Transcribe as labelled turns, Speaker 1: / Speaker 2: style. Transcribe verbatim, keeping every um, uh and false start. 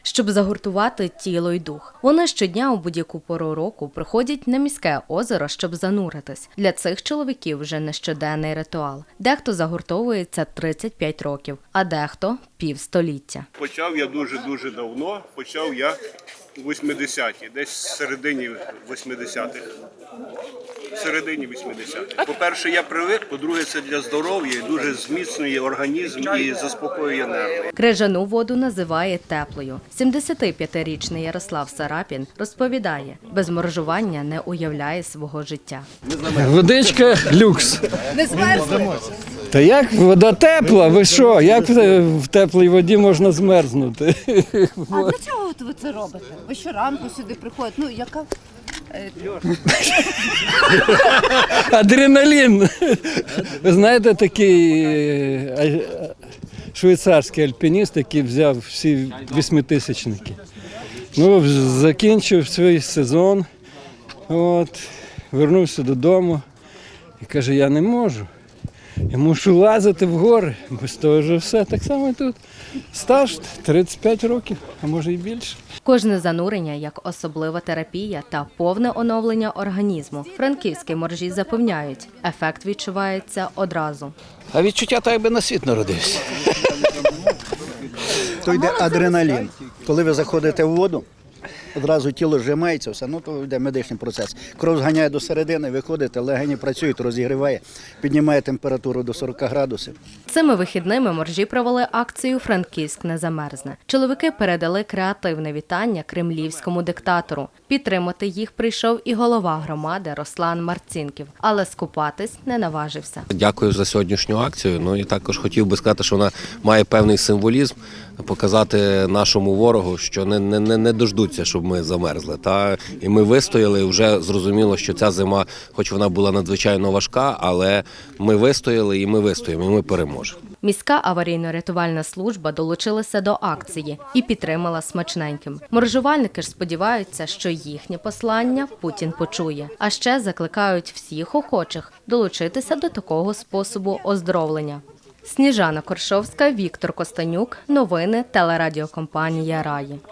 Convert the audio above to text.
Speaker 1: щоб загуртувати тіло й дух. Вони щодня у будь-яку пору року приходять на міське озеро, щоб зануритись. Для цих чоловіків вже не щоденний ритуал. Дехто загуртовується тридцять п'ять років, а дехто – півстоліття.
Speaker 2: Почав я дуже-дуже давно, почав я у восьмидесяті, десь в середині восьмидесятих. В середині вісімдесятих. По-перше, я привик, по-друге, це для здоров'я, і дуже зміцнює організм і заспокоює нерви.
Speaker 1: Крижану воду називає теплою. сімдесятип'ятирічний Ярослав Сарапін розповідає, без моржування не уявляє свого життя.
Speaker 3: Водичка люкс.
Speaker 4: Не змерзли?
Speaker 3: Та як вода тепла? Ви що? Як в теплій воді можна змерзнути?
Speaker 4: А для чого от ви це робите? Ви щоранку сюди приходите? Ну, яка... е,
Speaker 3: Адреналін. Ви знаєте, такий е, швейцарський альпініст, який взяв всі восьмитисячники. Ну, закінчив свій сезон, от, вернувся додому і каже, я не можу. Я мушу лазити в гори, бо з того вже все. Так само і тут. Стаж тридцять п'ять років, а може і більше.
Speaker 1: Кожне занурення як особлива терапія та повне оновлення організму. Франківські моржі запевняють, ефект відчувається одразу.
Speaker 5: А відчуття так, якби на світ народився.
Speaker 6: То йде адреналін. Коли ви заходите в воду, одразу тіло зжимається, все, ну то йде медичний процес. Кров зганяє до середини, виходите, легені працюють, розігріває, піднімає температуру до сорок градусів.
Speaker 1: Цими вихідними моржі провели акцію «Франківськ не замерзне». Чоловіки передали креативне вітання кремлівському диктатору. Підтримати їх прийшов і голова громади Руслан Марцінків, але скупатись не наважився.
Speaker 5: Дякую за сьогоднішню акцію. Ну і також хотів би сказати, що вона має певний символізм, показати нашому ворогу, що не, не, не дождуться, щоб ми замерзли. Та? І ми вистояли, вже зрозуміло, що ця зима, хоч вона була надзвичайно важка, але ми вистояли і ми вистоїмо, і ми переможемо.
Speaker 1: Міська аварійно-рятувальна служба долучилася до акції і підтримала смачненьким. Моржувальники ж сподіваються, що їхнє послання Путін почує. А ще закликають всіх охочих долучитися до такого способу оздоровлення. Сніжана Коршовська, Віктор Костанюк. Новини телерадіокомпанія «Раї».